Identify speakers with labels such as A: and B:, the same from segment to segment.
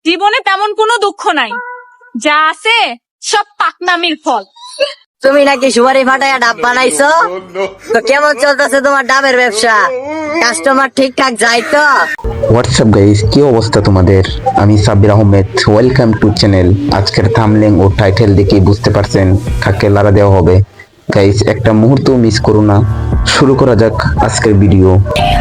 A: জীবনে তেমন কোনো দুঃখ নাই, যা আছে সব পাকনামির ফল।
B: তুমি নাকি সুপারি ফাটাইয়া ডাব বানাইছো? তো কেমন চলতেছে তোমার ডাবের ব্যবসা? কাস্টমার ঠিকঠাক যায় তো?
C: হোয়াটসঅ্যাপ গাইস, কি অবস্থা তোমাদের? আমি Sabbir Ahmed, welcome to channel. আজকের থাম্বনেল ও টাইটেল দেখে বুঝতে পারছেন কাকে লারা দেওয়া হবে। গাইস, একটা মুহূর্ত মিস করো না। শুরু করা যাক আজকের ভিডিও।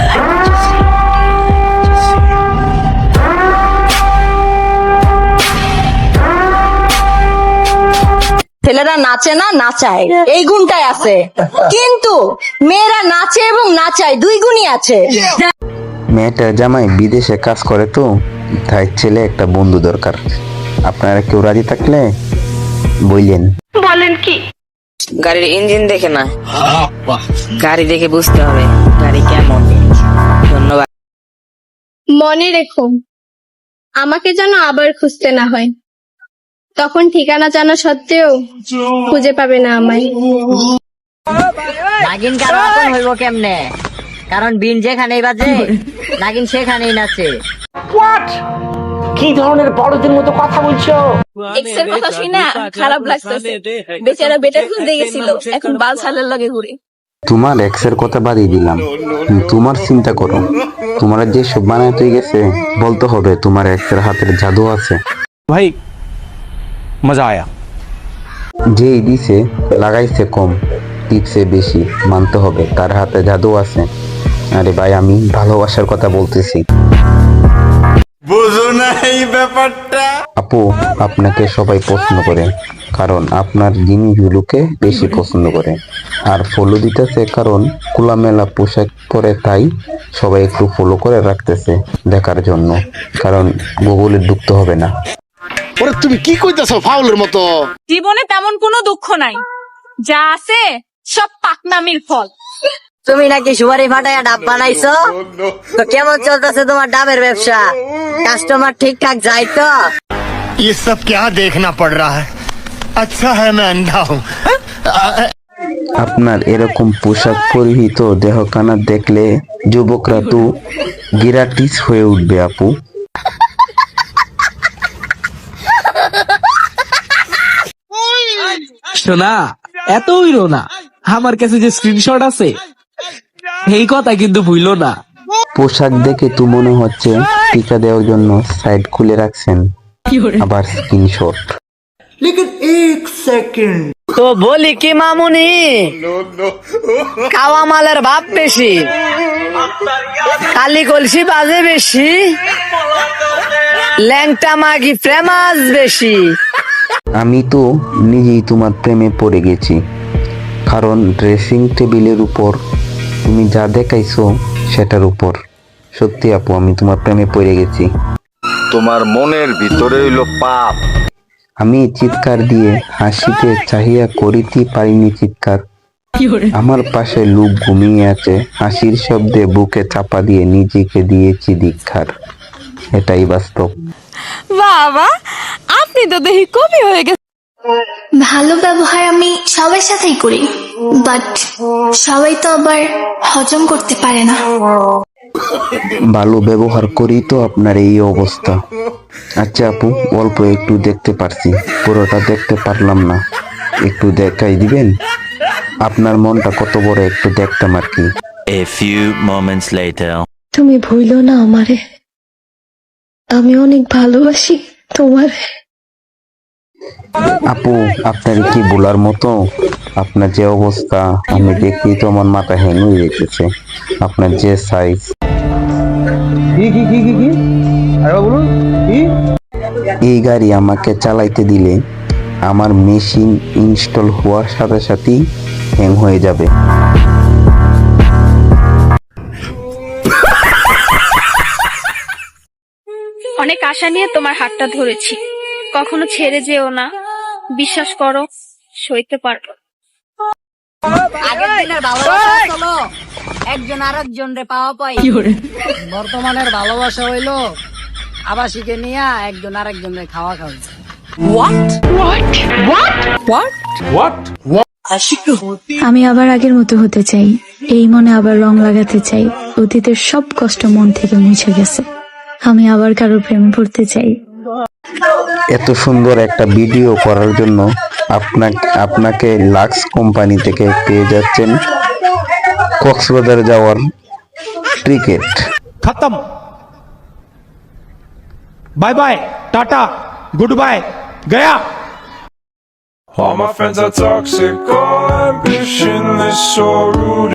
B: ছেলেরা নাচে না নাচায়, এই গুণটাই আছে, কিন্তু মেয়েরা নাচে এবং নাচায় দুই গুণই আছে।
C: মেয়েটার জামাই বিদেশে কাজ করে, তো তাই ছেলে একটা বন্ধু দরকার। আপনারা কেউ রাজি থাকলে বললেন।
D: বলেন কি?
B: গাড়ির ইঞ্জিন দেখে না, গাড়ি দেখে বুঝতে হবে গাড়ি কেমন। ধন্যবাদ।
D: মনে রেখো, আমাকে যেন আবার খুঁজতে না হয়, তখন ঠিকানা জানা সত্ত্বেও খুঁজে পাবে না আমায়।
B: নাগিন কারো আপন হইব কেমনে? কারণ বিন যেখানেই বাজে নাগিন সেখানেই নাচে।
E: কি ধরনের বড়দের মতো কথা বলছো?
A: এক্সের কথা শুই না খারাপ লাগতেছে। বেচারা বেটা খুঁজতে গেছিল, এখন বাল ছালের লগে ঘুরে।
C: তোমার এক্সের কথা বাদই দিলাম, তোমার চিন্তা করো। তোমার যে সব বানাইতে গেছে, বলতে হবে তোমার এক্সের হাতের জাদু আছে।
F: ভাই মজা আয়া।
C: যে দিছে লাগাইছে কম, টিপসে বেশি, মানতে হবে তার হাতে জাদু আছে। আরে ভাই, আমি ভালোবাসার কথা বলতেছি।
G: বুঝো না এই ব্যাপারটা?
C: আপু, আপনাকে সবাই পছন্দ করে, কারণ আপনার জিনিসগুলোকে বেশি পছন্দ করে। আর ফলো দিতেছে কারণ খোলামেলা পোশাক পরে, তাই সবাই একটু ফলো করে রাখতেছে দেখার জন্য, কারণ গুগলে ঢুকতে হবে না।
G: ওরে তুমি কি কইতাছো ফাউলের মতো?
A: জীবনে তেমন কোনো দুঃখ নাই, যা আছে সব পাকনামির ফল।
B: তুমি নাকি সুপারি ফাটাইয়া ডাব বানাইছো? তো কেমন চলতেছে তোমার ডাবের ব্যবসা? কাস্টমার ঠিকঠাক যায় তো?
G: ये सब क्या देखना पड़ रहा है? अच्छा है मैं अंधा हूँ।
C: আপনার এরকম পোশাক পরিহিত দেহখানা দেখলে যুবকরা তো গিরাটিস হয়ে উঠবে আপু।
F: শোনা, এত হইল না, আমার কাছে যে স্ক্রিনশট আছে এই কথা কিন্তু ভুইল না।
C: পোশাক দেখে তো মনে হচ্ছে টিকা দেওয়ার জন্য সাইড খুলে রাখছেন, আবার স্ক্রিনশট।
B: তো বলি কি মামুনি, খাওয়া মালের ভাব বেশি, কালি কলসি বাজে বেশি, ল্যাংটা মাগি ফেমাস বেশি।
C: আমি তো নিজেই তোমার প্রেমে পড়ে গেছি, কারণ ড্রেসিং টেবিলের উপর তুমি যা দেখাইছো সেটার উপর। সত্যি আপু, আমি তোমার প্রেমে পড়ে গেছি।
H: তোমার মনের ভিতরে হইল পাপ।
C: আমি চিৎকার দিয়ে হাসিতে চাহিয়া করিতে পারিনি চিৎকার। আমার পাশে লোক ঘুমিয়ে আছে, হাসির শব্দে বুকে চাপা দিয়ে নিজেকে দিয়েছি ধিক্কার। এটাই বাস্তব।
A: বাবা, আপনি তো দেখি কবি হয়ে গেছে।
I: ভালো ব্যবহার আমি সবার সাথেই করি, বাট সবাই তো আবার হজম করতে পারে না।
C: ভালো ব্যবহার করি তো আপনার এই অবস্থা। আচ্ছা আপু, অল্প একটু দেখতে পারছি, পুরোটা দেখতে পারলাম না, একটু দেখাই দিবেন? আপনার মনটা কত বড় একটু দেখতাম আর কি।
J: A few moments later.
I: তুমি ভুলো না আমারে, আমি অনেক ভালোবাসি তোমার।
C: আপু, আপনার কি বলার মতো? আপনার যে অবস্থা আমি দেখি তো আমার মাথা হ্যাং হয়ে যেতেছে। আপনার যে সাইজ, এই গাড়ি আমাকে চালাইতে দিলে আমার মেশিন ইনস্টল হওয়ার সাথে সাথেই হ্যাং হয়ে যাবে।
A: অনেক আশা নিয়ে তোমার হাতটা ধরেছি, কখনো ছেড়ে যেও না, বিশ্বাস করো সইতে পারবো।
B: আগের দিনের ভালোবাসা হলো একজন আরেকজন রে পাওয়া পাই, বর্তমানের ভালোবাসা হইলো আবাসিকে নিয়ে একজন আরেকজনের খাওয়া খাওয়া।
I: আমি আবার আগের মতো হতে চাই, এই মনে আবার রং লাগাতে চাই। অতীতের সব কষ্ট মন থেকে মুছে গেছে, আমি আবার কারো প্রেমে পড়তে চাই।
C: এত সুন্দর একটা ভিডিও করার জন্য আপনাকে লাক্স কোম্পানি থেকে পেয়ে যাচ্ছেন কক্সবাজার যাওয়ার টিকিট।
F: खत्म, bye bye, tata, good bye, गया।
K: All my friends are toxic, all ambitionless, so rude.